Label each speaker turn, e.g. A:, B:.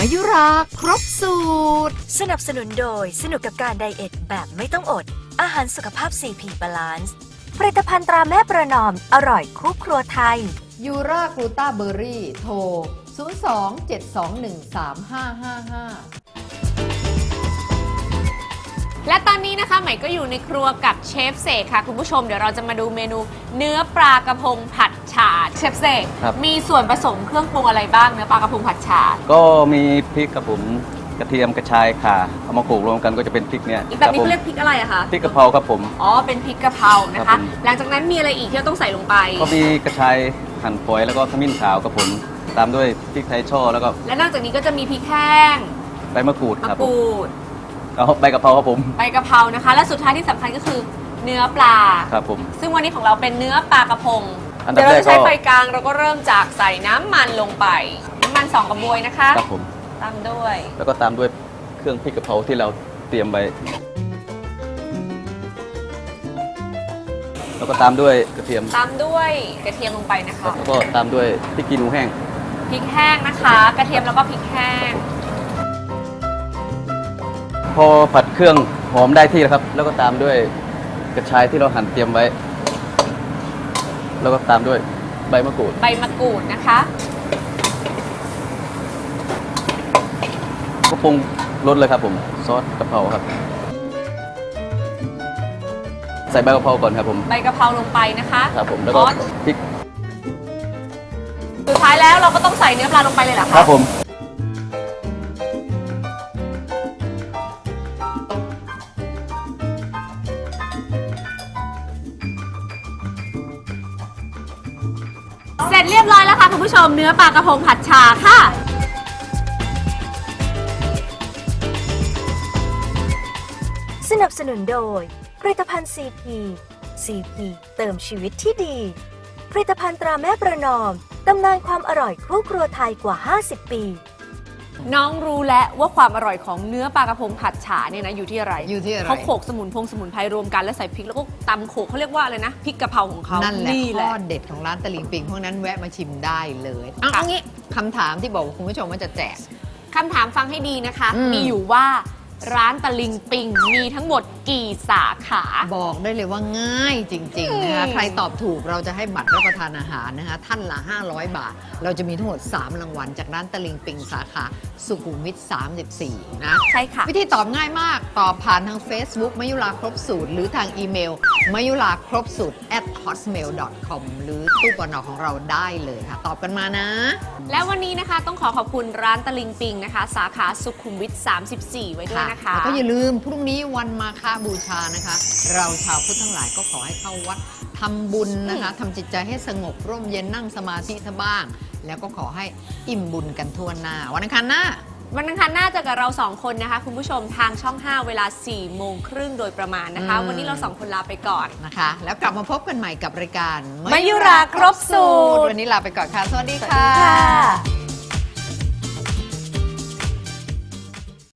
A: มายุราครบสูตร
B: สนับสนุนโดยสนุกกับการไดเอทแบบไม่ต้องอดอาหารสุขภาพ 4P Balance ผลิตภัณฑ์ตราแม่ประนอมอร่อยคู่ครัวไทย
A: ยูรากลูต้าเบอร์รี่โทร 02-721-3555
C: และตอนนี้นะคะใหม่ก็อยู่ในครัวกับเชฟเสกค่ะคุณผู้ชมเดี๋ยวเราจะมาดูเมนูเนื้อปลากระพงผัดฉ่าเชฟเสกมีส่วนผสมเครื่องปรุงอะไรบ้างเนื้อปลากระพงผัดฉ่า
D: ก็มีพริกกับผมกระเทียมกระชายข่าเอามาโขลกรวมกันก็จะเป็นพริกเนี่ย
C: แบบนี้เขาเรียกพริกอะไรอะคะ
D: พริกกะเพราครับผม
C: อ๋อเป็นพริกกะเพรานะคะหลังจากนั้นมีอะไรอีกที่เราต้องใส่ลงไป
D: ก็มีกระชายหั่นฝอยแล้วก็ขมิ้นขาวครับผมตามด้วยพริกไทยช่อแล้วก็
C: และนอกจากนี้ก็จะมีพริกแห้ง
D: ใบมะกรูดครับเอาใบกะเพราครับผม
C: ใบกะเพรานะคะและสุดท้ายที่สำคัญก็คือเนื้อปลา
D: ครับผม
C: ซึ่งวันนี้ของเราเป็นเนื้อปลากระพงเดี๋ยวเราจะใช้ไฟกลางเราก็เริ่มจากใส่น้ำมันลงไปน้ำมัน2 กระบวยนะคะ
D: ครับผม
C: ตามด้วย
D: แล้วก็ตามด้วยเครื่องพริกกะเพราที่เราเตรียมไว้แล้วก็ตามด้วยกระเทียม
C: ตามด้วยกระเทียมลงไปนะคะ
D: แล้วก็ตามด้วยพริกขี้หนูแห้ง
C: พริกแห้งนะคะกระเทียมแล้วก็พริกแห้ง
D: พอผัดเครื่องหอมได้ที่แล้วครับแล้วก็ตามด้วยกระชายที่เราหั่นเตรียมไว้แล้วก็ตามด้วยใบมะกรูด
C: นะคะ
D: ก็ปรุงรสเลยครับผมซอสกะเพราครับใส่ใบกะเพราก่อนครับผม
C: ใบกะเพราลงไปนะคะ
D: ครับผมแล้วก็พริก
C: สุดท้ายแล้วเราก็ต้องใส่เนื้อปลาลงไปเลยเหรอคะ
D: ครับผม
C: เสร็จเรียบร้อยแล้วค่ะคุณผู้ชมเนื้อปลากระพงผัดฉ่าค่ะ
B: สนับสนุนโดยผลิตภัณฑ์ CP เติมชีวิตที่ดีผลิตภัณฑ์ตราแม่ประนอมตำนานความอร่อยคู่ครัวไทยกว่า50 ปี
C: น้องรู้แล้วว่าความอร่อยของเนื้อปลากระพงผัดฉ่าเนี่ยนะอยู่ที่อะไรเขาโขลกสมุนไพรรวมกันแล้วใส่พริกแล้วก็ตำโขลกเขาเรียกว่าอะไรนะพริกกะเพราของเขา
A: นั่นแหละข้อเด็ดของร้านตะลิงปิงพวกนั้นแวะมาชิมได้เลยเอางี้คำถามที่บอกคุณผู้ชมว่าจะแจก
C: คำถามฟังให้ดีนะคะมีอยู่ว่าร้านตะลิงปิงมีทั้งหมดกี่สาขา
A: บอกได้เลยว่าง่ายจริงๆนะคะใครตอบถูกเราจะให้บัตรรับประทานอาหารนะคะท่านละ500 บาทเราจะมีทั้งหมด3 รางวัลจากร้านตะลิงปิงสาขาสุขุมวิท34นะ
C: ใช่ค่ะ
A: วิธีตอบง่ายมากตอบผ่านทาง Facebook มยุราครบสูตรหรือทางอีเมลมยุราครบสูตร @hotmail.com หรือตู้ปนของเราได้เลยค่ะตอบกันมานะ
C: แล้ววันนี้นะคะต้องขอบคุณร้านตะลิงปิงนะคะสาขาสุขุมวิท34ไว้ด้วยนะคะ
A: แล้วก็อย่าลืมพรุ่งนี้วันมาฆบูชานะคะเราชาวพุทธทั้งหลายก็ขอให้เข้าวัดทำบุญนะคะทำจิตใจให้สงบร่มเย็นนั่งสมาธิซะบ้างแล้วก็ขอให้อิ่มบุญกันทั่วหน้าวันอังคารหน้า
C: เจอกับเรา2 คนนะคะคุณผู้ชมทางช่อง 5 เวลา 4 โมงครึ่งโดยประมาณนะคะวันนี้เรา2 คนลาไปก่อน
A: นะคะแล้วกลับมาพบกันใหม่กับรายการ
C: มยุราครบสูตร
A: วันนี้ลาไปก่อนค่ะสวัสดีค่ะ